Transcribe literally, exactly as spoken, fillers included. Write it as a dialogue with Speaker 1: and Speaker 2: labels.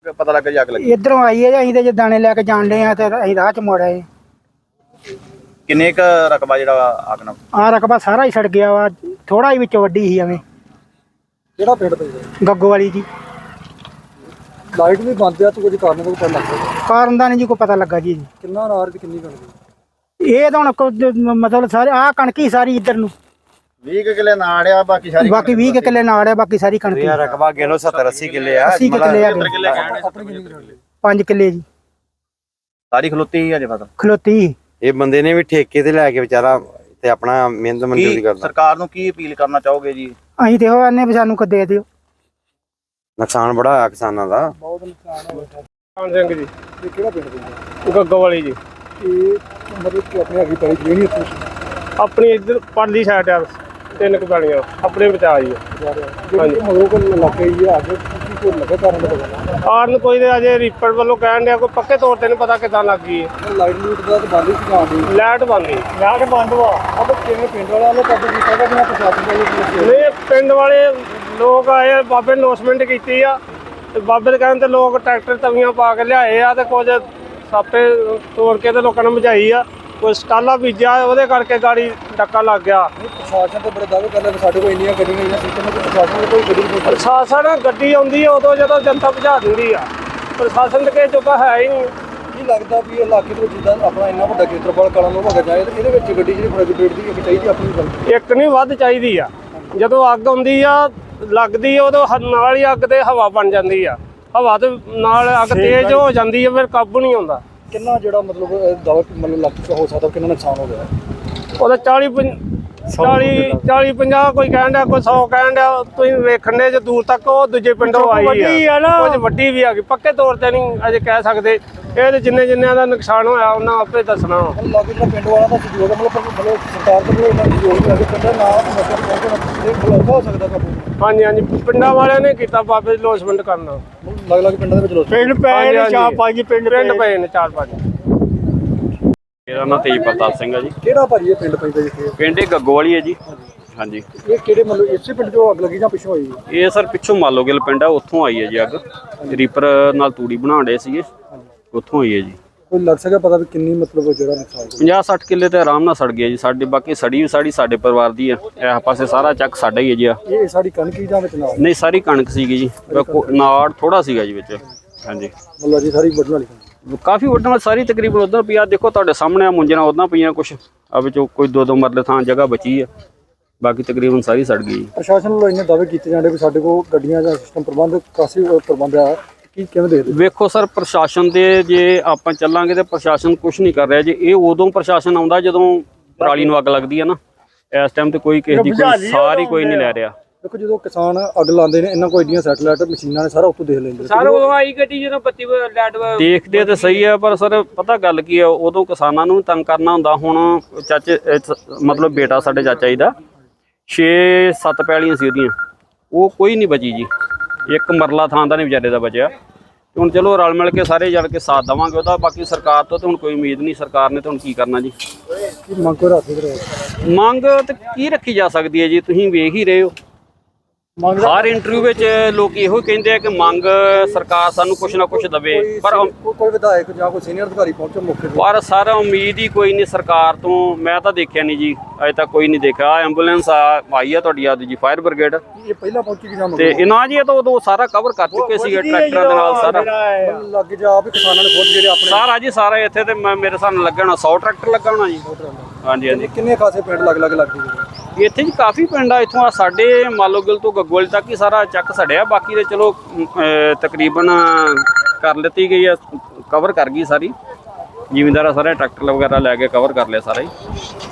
Speaker 1: ਪਤਾ ਲੱਗਾ ਜੀ ਅੱਗ ਲੱਗੀ?
Speaker 2: इधरों आई है जी, जो दाने लैके जान डे तो अं राह च मुड़ आए।
Speaker 1: किन्ने क रकबा ਜਿਹੜਾ ਅੱਗ ਨਾਲ?
Speaker 2: आ रकबा सारा ही सड़ गया वा, थोड़ा ही विच वड्डी ही एवें।
Speaker 3: ਕਿਹੜਾ ਪਿੰਡ ਪੈਂਦਾ?
Speaker 2: गग्गो वाली जी।
Speaker 3: ਲਾਈਟ ਵੀ ਬੰਦ ਆ, ਤੂੰ ਕੁਝ ਕਾਰਨ ਕੋਈ ਪਤਾ ਲੱਗਾ?
Speaker 2: कारण का नहीं जी कोई पता लगा जी।
Speaker 3: ਕਿੰਨਾ ਨਾਰ ਤੇ ਕਿੰਨੀ ਕਣਕ?
Speaker 2: ये तो हुण मतलब सारे आ कणक ही सारी इधर नूं,
Speaker 1: ਵੀਹ ਕੁ ਕਿੱਲੇ ਨਾੜ ਆ, ਬਾਕੀ ਸਾਰੀ
Speaker 2: बाकी बीस के किले नाड़ है, बाकी सारी कणक ही।
Speaker 4: रकबा गिनो सत्तर अस्सी किले आ,
Speaker 2: अस्सी के किले
Speaker 3: ਆਪਣੀ ਕਿੰਨੀ ਕਣਕ?
Speaker 2: पांच किले जी
Speaker 1: ਸਾਰੀ ਖਲੋਤੀ ਹੀ ਅਜੇ ਫਸਲ।
Speaker 2: खलोती ही।
Speaker 4: ਇਹ ਬੰਦੇ ਨੇ ਵੀ ਠੇਕੇ ਤੇ ਲੈ ਕੇ ਵਿਚਾਰਾ ਤੇ ਆਪਣਾ ਮਿਹਨਤ ਮਜ਼ਦੂਰੀ ਕਰਦਾ।
Speaker 1: ਸਰਕਾਰ ਨੂੰ ਕੀ ਅਪੀਲ ਕਰਨਾ ਚਾਹੋਗੇ ਜੀ?
Speaker 2: ਅਸੀਂ ਤੇ ਉਹ ਆਨੇ ਵੀ ਸਾਨੂੰ ਕੋ ਦੇ ਦਿਓ।
Speaker 4: ਨੁਕਸਾਨ ਬੜਾ ਹੋਇਆ ਕਿਸਾਨਾਂ ਦਾ।
Speaker 3: ਬਹੁਤ ਨੁਕਸਾਨ ਹੋਇਆ।
Speaker 5: ਕਾਨ ਸਿੰਘ ਜੀ,
Speaker 3: ਇਹ ਕਿਹੜਾ ਪਿੰਡ ਪੈਂਦਾ?
Speaker 5: ਗੱਗੋ ਵਾਲੀ ਜੀ।
Speaker 3: ਇਹ ਮਤਲਬ ਕਿ ਆਪਣੀ ਹੈਗੀ ਪੈਲੀ ਜਿਹੜੀ ਇੱਥੇ
Speaker 5: ਆਪਣੀ ਇੱਧਰ ਪਰਲੀ ਸਾਈਡ ਆ, ਤਿੰਨ ਕੁ ਪੈਲੀਆਂ ਆਪਣੇ ਬਚਾ ਜੀ।
Speaker 3: ਜਿਹੜੀ ਮਗਰੋਂ ਕੋਲ ਇਲਾਕੇ ਹੀ ਆ ਕੇ ਕੀ ਕੋਈ ਲੱਗਾ ਕਾਰਨ ਦਾ ਪਤਾ?
Speaker 5: ਕਾਰਨ ਕੋਈ ਤੇ ਅਜੇ ਰੀਪਰ ਵੱਲੋਂ ਕਹਿਣ ਡਿਆ, ਕੋਈ ਪੱਕੇ ਤੌਰ ਤੇ ਨਹੀਂ ਪਤਾ ਕਿੱਦਾਂ ਲੱਗ ਗਈ ਹੈ।
Speaker 3: ਲਾਈਟ ਲੂਟ ਦਾ ਤਾਂ ਬੰਦ ਹੀ ਸੀ ਜਾਂਦੀ।
Speaker 5: ਲਾਈਟ ਬੰਦ ਗਈ।
Speaker 3: ਲਾਈਟ ਬੰਦ ਵਾ। ਅਬ ਕਿਵੇਂ ਪਿੰਡ ਵਾਲਿਆਂ ਨੇ ਕਾਬੂ ਕੀਤਾ ਕਿ ਬਿਨਾਂ ਪ੍ਰਸ਼ਾਸਨ ਦਾ ਹੀ?
Speaker 5: ਨਹੀਂ, ਪਿੰਡ ਵਾਲੇ ਲੋਕ ਆਏ, ਬਾਬੇ ਅਨਾਉਂਸਮੈਂਟ ਕੀਤੀ ਆ ਤੇ ਬਾਬੇ ਦੇ ਕਹਿਣ ਤੇ ਲੋਕ ਟਰੈਕਟਰ ਤਵੀਆਂ ਪਾ ਕੇ ਲਿਆਏ ਆ ਤੇ ਕੁਝ ਸਾਪੇ ਤੋੜ ਕੇ ਤੇ ਲੋਕਾਂ ਨੂੰ ਬੁਝਾਈ ਆ। ਕੋਈ ਸਟਾਲਾ ਬੀਜਿਆ, ਉਹਦੇ ਕਰਕੇ ਗਾੜੀ ਡੱਕਾ ਲੱਗ ਗਿਆ।
Speaker 3: ਪ੍ਰਸ਼ਾਸਨ ਤੇ ਬੜੇ ਦਾਅਵੇ ਕਰਦਾ ਕਿ ਸਾਡੇ ਕੋਲ ਇੰਨੀਆਂ ਗੱਡੀਆਂ ਇੰਨੀਆਂ ਸਿਸਟਮ ਹੈ, ਪ੍ਰਸ਼ਾਸਨ ਕੋਈ ਗੱਡੀ ਨਹੀਂ।
Speaker 5: ਪ੍ਰਸ਼ਾਸਨ ਗੱਡੀ ਆਉਂਦੀ ਆ ਉਦੋਂ ਜਦੋਂ ਜਨਤਾ ਭਜਾ ਦਿੰਦੀ ਆ। ਪ੍ਰਸ਼ਾਸਨ ਤੇ ਕਿਸੇ ਚੁੱਕਾ ਹੈ ਹੀ ਨਹੀਂ।
Speaker 3: ਕੀ ਲੱਗਦਾ ਵੀ ਇਹ ਇਲਾਕੇ ਦੇ ਵਿੱਚ ਜਿੱਦਾਂ ਆਪਣਾ ਇੰਨਾ ਵੱਡਾ ਖੇਤਰਫਲ ਕਲਾਂ ਨੂੰ ਭਗਾ ਜਾਏ ਤੇ ਇਹਦੇ ਵਿੱਚ ਗੱਡੀ ਜਿਹੜੀ ਫਰੈਗੂਲੇਟ ਦੀ ਇੱਕ ਚਾਹੀਦੀ ਆਪਣੀ ਗੱਲ?
Speaker 5: ਇੱਕ ਨਹੀਂ ਵੱਧ ਚਾਹੀਦੀ ਆ। ਜਦੋਂ ਅੱਗ ਆਉਂਦੀ ਆ ਲੱਗਦੀ ਆ ਉਦੋਂ ਹ- ਨਾਲ ਹੀ ਅੱਗ ਤੇ ਹਵਾ ਬਣ ਜਾਂਦੀ ਆ। ਹਵਾ ਤੇ ਨਾਲ ਅੱਗ ਤੇਜ਼ ਹੋ ਜਾਂਦੀ ਆ, ਫਿਰ ਕਾਬੂ ਨਹੀਂ ਆਉਂਦਾ।
Speaker 3: ਕਿੰਨਾ ਜਿਹੜਾ ਮਤਲਬ ਦਾਅਵਾ ਮਤਲਬ ਲੱਖ ਹੋ ਸਕਦਾ, ਕਿੰਨਾ ਨੁਕਸਾਨ ਹੋ ਗਿਆ?
Speaker 5: ਉਹਦਾ ਚਾਲੀ ਚਾਲੀ ਚਾਲੀ ਪੰਜਾਹ ਕੋਈ ਕਹਿਣ ਡਿਆ, ਕੋਈ ਸੌ ਕਹਿਣ ਡਿਆ। ਤੁਸੀਂ ਵੇਖਣ ਦੇ ਜੇ ਦੂਰ ਤੱਕ ਉਹ ਦੂਜੇ ਪਿੰਡੋਂ ਆਈ ਆ, ਕੁਝ ਵੱਡੀ ਵੀ ਆ ਗਈ। ਪੱਕੇ ਤੌਰ ਤੇ ਨਹੀਂ ਅਜੇ ਕਹਿ ਸਕਦੇ। ਇਹ ਤੇ ਜਿੰਨੇ ਜਿੰਨਿਆਂ ਦਾ ਨੁਕਸਾਨ ਹੋਇਆ ਉਹਨਾਂ ਆਪੇ ਦੱਸਣਾ।
Speaker 3: ਲਾਗੇ ਜਿਹੜਾ ਪਿੰਡ ਵਾਲਾ ਦਾ ਸਹਿਯੋਗ ਮਤਲਬ ਮਤਲਬ ਸਰਕਾਰ ਦੇ ਵੱਲੋਂ ਇੰਨਾ ਸਹਿਯੋਗ ਮਿਲਿਆ ਕਿ ਪਿੰਡਾਂ ਨਾਲ ਮਤਲਬ ਪਹੁੰਚਣਾ ਇਹ ਖਲੋਤਾ ਹੋ ਸਕਦਾ ਕਾਬੂ?
Speaker 5: ਹਾਂਜੀ ਹਾਂਜੀ, ਪਿੰਡਾਂ ਵਾਲਿਆਂ ਨੇ ਕੀਤਾ ਬਾਬੇ ਦੀ ਲੋਸਮੈਂਟ ਕਰਨਾ।
Speaker 3: ਲੱਗ ਲੱਗ ਪਿੰਡਾਂ ਦੇ ਵਿੱਚ ਲੋਕ
Speaker 5: ਪਿੰਡ ਪਏ ਨੇ ਚਾਰ ਪੰਜ, ਪਿੰਡ ਪਿੰਡ ਪਏ ਨੇ ਚਾਰ ਪੰਜ।
Speaker 6: ਮੇਰਾ ਨਾਂ ਤੇਜ ਪ੍ਰਤਾਪ ਸਿੰਘ ਹੈ ਜੀ।
Speaker 3: ਕਿਹੜਾ ਭਾਜੀ ਇਹ ਪਿੰਡ ਪੈਂਦਾ ਜਿੱਥੇ?
Speaker 6: ਪਿੰਡ ਇਹ ਗੱਗੋ ਵਾਲੀ ਹੈ ਜੀ। ਹਾਂਜੀ,
Speaker 3: ਇਹ ਕਿਹੜੇ ਮਤਲਬ ਇਸੇ ਪਿੰਡ ਚੋਂ ਅੱਗ ਲੱਗੀ ਜਾਂ ਪਿੱਛੋਂ ਹੋਈ?
Speaker 6: ਇਹ ਸਰ ਪਿੱਛੋਂ ਮਾਲੋਗਿਲ ਪਿੰਡ ਆ, ਉੱਥੋਂ ਆਈ ਹੈ ਜੀ ਅੱਗ। ਰੀਪਰ ਨਾਲ ਤੂੜੀ ਬਣਾਉਣ ਡਏ ਸੀਗੇ, ਉੱਥੋਂ ਆਈ ਹੈ ਜੀ।
Speaker 3: ਕੋਈ ਲੱਗ ਸਕਦਾ ਪਤਾ ਵੀ ਕਿੰਨੀ ਮਤਲਬ ਜਿਹੜਾ ਨੁਕਸਾਨ?
Speaker 6: ਪੰਜਾਹ ਸੱਠ ਕਿੱਲੇ ਤੇ ਆਰਾਮ ਨਾਲ ਸੜ ਗਿਆ ਜੀ ਸਾਡੇ। ਬਾਕੀ ਸੜੀ ਵੀ ਸਾੜੀ ਸਾਡੇ ਪਰਿਵਾਰ ਦੀ ਆ। ਇਹ ਪਾਸੇ ਸਾਰਾ ਚੱਕ ਸਾਡਾ ਹੀ ਹੈ ਜੀ। ਆ
Speaker 3: ਇਹ ਸਾਡੀ ਕਣਕ ਹੀ ਜਾਂ ਵਿੱਚ ਨਾਲ?
Speaker 6: ਨਹੀਂ, ਸਾਰੀ ਕਣਕ ਸੀਗੀ ਜੀ, ਨਾੜ ਥੋੜਾ ਸੀਗਾ ਜੀ ਵਿੱਚ। ਹਾਂਜੀ,
Speaker 3: ਮਤਲਬ ਜੀ ਸਾਰੀ ਵੱਢਣ ਵਾਲੀ ਕਣਕ
Speaker 6: ਕਾਫੀ ਵੱਡਾ ਸਾਰੀ ਤਕਰੀਬਨ ਉਧਰ ਪਈ ਆ। ਦੇਖੋ ਤੁਹਾਡੇ ਸਾਹਮਣੇ ਆ, ਮੁੰਜਣਾ ਉਦਾਂ ਪਈਆਂ ਕੁਛ ਆ, ਵਿੱਚੋਂ ਕੋਈ ਦੋ ਦੋ ਮਰਲੇ ਥਾਂ ਜਗ੍ਹਾ ਬਚੀ ਆ, ਬਾਕੀ ਤਕਰੀਬਨ ਸਾਰੀ ਸੜ ਗਈ।
Speaker 3: ਪ੍ਰਸ਼ਾਸਨ ਵੱਲੋਂ ਇੰਨੇ ਦਾਅਵੇ ਕੀਤੇ ਜਾਂਦੇ ਵੀ ਸਾਡੇ ਕੋਲ ਗੱਡੀਆਂ ਦਾ ਸਿਸਟਮ ਪ੍ਰਬੰਧ ਕਾਫੀ ਪ੍ਰਬੰਧ ਆ, ਕੀ ਕਿਵੇਂ ਦੇਖਦੇ?
Speaker 6: ਵੇਖੋ ਸਰ, ਪ੍ਰਸ਼ਾਸਨ ਦੇ ਜੇ ਆਪਾਂ ਚੱਲਾਂਗੇ ਤੇ ਪ੍ਰਸ਼ਾਸਨ ਕੁਝ ਨਹੀਂ ਕਰ ਰਿਹਾ ਜੀ। ਇਹ ਉਦੋਂ ਪ੍ਰਸ਼ਾਸਨ ਆਉਂਦਾ ਜਦੋਂ ਪਰਾਲੀ ਨੂੰ ਅੱਗ ਲੱਗਦੀ ਆ ਨਾ। ਇਸ ਟਾਈਮ ਤੇ ਕੋਈ ਕਿਸੇ ਦੀ ਕੋਈ ਸਾਰੀ ਕੋਈ ਨਹੀਂ ਲੈ ਰਿਹਾ।
Speaker 3: ਦੇਖੋ ਜਦੋਂ ਕਿਸਾਨ ਅੱਗ ਲਾਉਂਦੇ ਨੇ ਇਹਨਾਂ ਕੋਲ ਏਡੀਆਂ ਸੈਟਲਾਈਟ ਮਸ਼ੀਨਾਂ ਨੇ ਸਾਰਾ ਉੱਤੋਂ ਦੇਖ ਲੈਂਦੇ।
Speaker 5: ਸਰ ਉਦੋਂ ਆਈ ਗੱਡੀ ਜਦੋਂ ਬੱਤੀ ਲਾਈਟ
Speaker 6: ਦੇਖਦੇ ਤੇ ਸਹੀ ਆ, ਪਰ ਸਰ ਪਤਾ ਗੱਲ ਕੀ ਆ, ਉਦੋਂ ਕਿਸਾਨਾਂ ਨੂੰ ਤੰਗ ਕਰਨਾ ਹੁੰਦਾ। ਹੁਣ ਚਾਚੇ ਮਤਲਬ ਬੇਟਾ ਸਾਡੇ ਚਾਚਾ ਜੀ ਦਾ ਛੇ ਸੱਤ ਪੈਲੀਆਂ ਸੀ ਉਹਦੀਆਂ, ਉਹ ਕੋਈ ਨਹੀਂ ਬਚੀ ਜੀ। ਇੱਕ ਮਰਲਾ ਥਾਂ ਦਾ ਨਹੀਂ ਵਿਚਾਰੇ ਦਾ ਬਚਿਆ। ਹੁਣ ਚਲੋ ਰਲ ਮਿਲ ਕੇ ਸਾਰੇ ਜਲ ਕੇ ਸਾਥ ਦੇਵਾਂਗੇ ਉਹਦਾ। ਬਾਕੀ ਸਰਕਾਰ ਤੋਂ ਤੇ ਹੁਣ ਕੋਈ ਉਮੀਦ ਨਹੀਂ। ਸਰਕਾਰ ਨੇ ਤਾਂ ਹੁਣ ਕੀ ਕਰਨਾ ਜੀ।
Speaker 3: ਮੰਗ ਕੋ ਰੱਖ ਰਹੇ
Speaker 6: ਮੰਗ ਤੇ ਕੀ ਰੱਖੀ ਜਾ ਸਕਦੀ ਹੈ ਜੀ, ਤੁਸੀਂ ਵੇਖ ਹੀ ਰਹੇ ਹੋ।
Speaker 3: ਮੰਗ
Speaker 6: ਹਰ ਇੰਟਰਵਿਊ ਵਿੱਚ ਲੋਕ ਇਹੋ ਕਹਿੰਦੇ ਆ ਕਿ ਮੰਗ ਸਰਕਾਰ ਸਾਨੂੰ ਕੁਛ ਨਾ ਕੁਛ ਦੇਵੇ, ਪਰ
Speaker 3: ਕੋਈ ਵਿਧਾਇਕ ਜਾਂ ਕੋਈ ਸੀਨੀਅਰ ਅਧਿਕਾਰੀ ਪਹੁੰਚੇ ਮੌਕੇ ਤੇ?
Speaker 6: ਪਰ ਸਰ ਉਮੀਦ ਹੀ ਕੋਈ ਨਹੀਂ ਸਰਕਾਰ ਤੋਂ। ਮੈਂ ਤਾਂ ਦੇਖਿਆ ਨਹੀਂ ਜੀ, ਅਜੇ ਤੱਕ ਕੋਈ ਨਹੀਂ ਦੇਖਿਆ। ਐਂਬੂਲੈਂਸ ਆਈ ਆ ਤੁਹਾਡੀ ਆ ਜੀ, ਫਾਇਰ ਬ੍ਰਿਗੇਡ,
Speaker 3: ਇਹ ਪਹਿਲਾਂ ਪਹੁੰਚੀ ਕਿ ਜਾਂ
Speaker 6: ਤੇ ਇਹਨਾਂ ਜੀ ਇਹ ਤਾਂ ਉਦੋਂ ਸਾਰਾ ਕਵਰ ਕਰ ਚੁੱਕੇ ਸੀਗੇ ਟਰੈਕਟਰਾਂ ਦੇ ਨਾਲ ਸਾਰਾ।
Speaker 3: ਲੱਗ ਜਾ ਵੀ ਕਿਸਾਨਾਂ ਨੇ ਖੁਦ ਜਿਹੜੇ ਆਪਣੇ
Speaker 6: ਸਾਰਾ ਜੀ ਸਾਰਾ ਇੱਥੇ ਤੇ ਮੈਂ- ਮੇਰੇ ਹਿਸਾਬ ਨਾਲ ਲੱਗਾ ਹੋਣਾ ਸੌ ਟਰੈਕਟਰ ਲੱਗਾ ਹੋਣਾ ਜੀ। ਹਾਂਜੀ ਹਾਂਜੀ,
Speaker 3: ਕਿੰਨੇ ਖਾਸੇ ਪਿੰਡ ਲੱਗ ਲੱਗ ਲੱਗਦੇ?
Speaker 6: ਇੱਥੇ ਜੀ ਕਾਫੀ ਪਿੰਡ ਆ। ਇੱਥੋਂ ਆ ਸਾਡੇ ਮਾਲੋਗਿਲ ਤੋਂ ਗੱਗੋਲ ਤੱਕ ਹੀ ਸਾਰਾ ਚੱਕ ਸੜਿਆ। ਬਾਕੀ ਦੇ ਚਲੋ ਅਹ, ਤਕਰੀਬਨ ਕਰ ਲਿੱਤੀ ਗਈ ਆ, ਕਵਰ ਕਰ ਗਈ ਸਾਰੀ। ਜ਼ਿਮੀਂਦਾਰਾਂ ਸਾਰੇ ਟਰੈਕਟਰ ਵਗੈਰਾ ਲੈ ਕੇ ਕਵਰ ਕਰ ਲਿਆ ਸਾਰਾ ਹੀ।